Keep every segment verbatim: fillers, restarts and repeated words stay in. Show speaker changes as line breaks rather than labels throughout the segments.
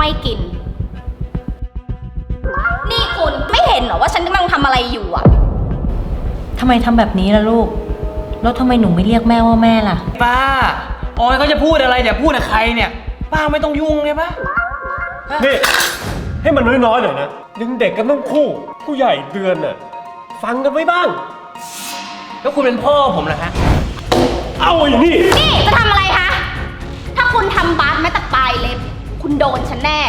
ไม่กินนี่คุณไม่เห็นเหรอว่าฉันกำลังทำอะไรอยู่อ่ะ
ทำไมทำแบบนี้ล่ะลูกแล้วทำไมหนูไม่เรียกแม่ว่าแม่ล่ะ
ป้าออยเขาจะพูดอะไรเดี๋ยวพูดกับใครเนี่ยป้าไม่ต้องยุ่งเลยป้า
นี่ให้มันน้อยๆหน่อยนะยังเด็กกันต้องคู่ผู้ใหญ่เดือนน่ะฟังกันไว้บ้าง
แล้วคุณเป็นพ่อผมเหรอฮะ
เอาอย่างนี้
นี่จะทำอะไรคะถ้าคุณทำบาสแม้แต่ปลายเล็บคุณโดนฉันแน่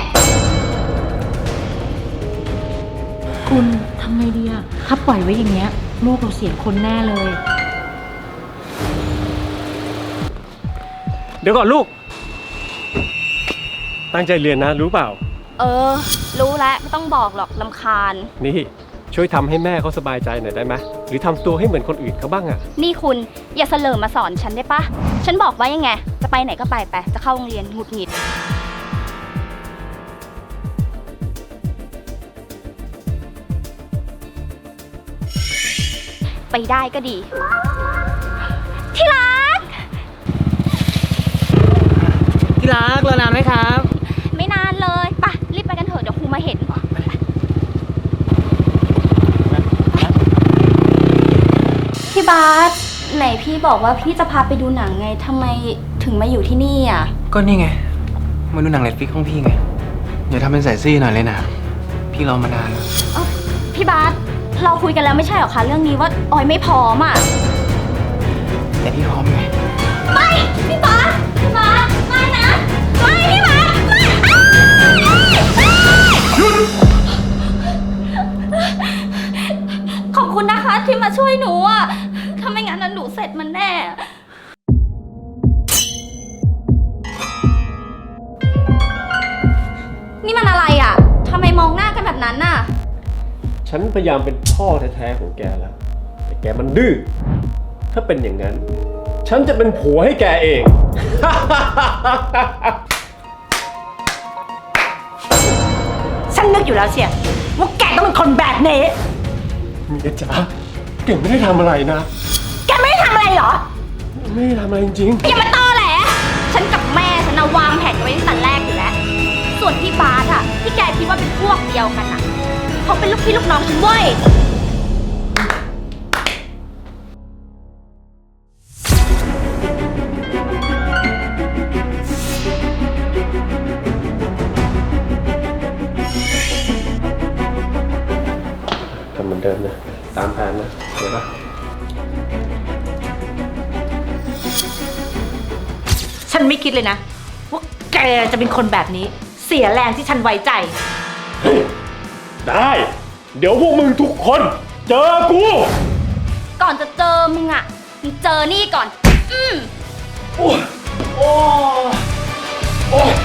คุณทำไงดีอะถ้าปล่อยไว้อย่างเงี้ยลูกเราเสียคนแน่เลย
เดี๋ยวก่อนลูกตั้งใจเรียนนะรู้เปล่า
เออรู้แล้วไม่ต้องบอกหรอกรำคาญ
นี่ช่วยทำให้แม่เขาสบายใจหน่อยได้ไหมหรือทำตัวให้เหมือนคนอื่นเขาบ้างอะ
นี่คุณอย่าเสลอมาสอนฉันได้ปะฉันบอกว่ายังไงจะไปไหนก็ไปไปจะเข้าโรงเรียนหงุดหงิดไปได้ก็ดีที่รัก
ที่รักรอนานไหมครับ
ไม่นานเลยป่ะรีบไปกันเถอะเดี๋ยวครูมาเห็นพี่บาสไหนพี่บอกว่าพี่จะพาไปดูหนังไงทำไมถึงมาอยู่ที่นี่อ่ะ
ก็นี่ไงมาดูหนังเน็ตฟลิกซ์ของพี่ไงอย่าทำเป็นใส่ซี่หน่อยเลยนะพี่รอมานานแล้ว
พี่บาสเราคุยกันแล้วไม่ใช่หรอคะเรื่องนี้ว่าออยไม่พร้อมอ่ะ
แต่พี่พร้อมไง
ไม่พี่บาสพี่บาสไม่นะไม่พี่บาสไม่หยุดขอบคุณนะคะที่มาช่วยหนูอ่ะถ้าไม่งั้นหนูเสร็จมันแน่นี่มันอะไรอ่ะทำไมมองหน้ากันแบบนั้นน่ะ
ฉันพยายามเป็นพ่อแท้ๆของแกแล้วแต่แกมันดื้อถ้าเป็นอย่างนั้นฉันจะเป็นผัวให้แกเอง
ฉันนึกอยู่แล้วเชียว่าแกต้องเป็นคนแบบนี้
เมียจ๋าแกไม่ได้ทำอะไรนะ
แกไม่ได้ทำอะไรเหรอ
ไม่ได้ทำอะไรจริง
ๆอย่ามาตอแหลฉันกับแม่ฉันวางแผนกันไว้ตั้งแต่แรกอยู่แล้วส่วนพี่บาสอะที่แกคิดว่าเป็นพวกเดียวกันอะเขาเป็นลูกพี่ลูกน้องฉันเว้ย
ทำเหมือนเดิมนะตามแผนนะเดี๋ยวปะ
ฉันไม่คิดเลยนะว่าแกจะเป็นคนแบบนี้เสียแรงที่ฉันไว้ใจ
ได้เดี๋ยวพวกมึงทุกคนเจอกู
ก่อนจะเจอมึงอ่ะมึงเจอนี่ก่อนอืม
โอ้โอ้โอ้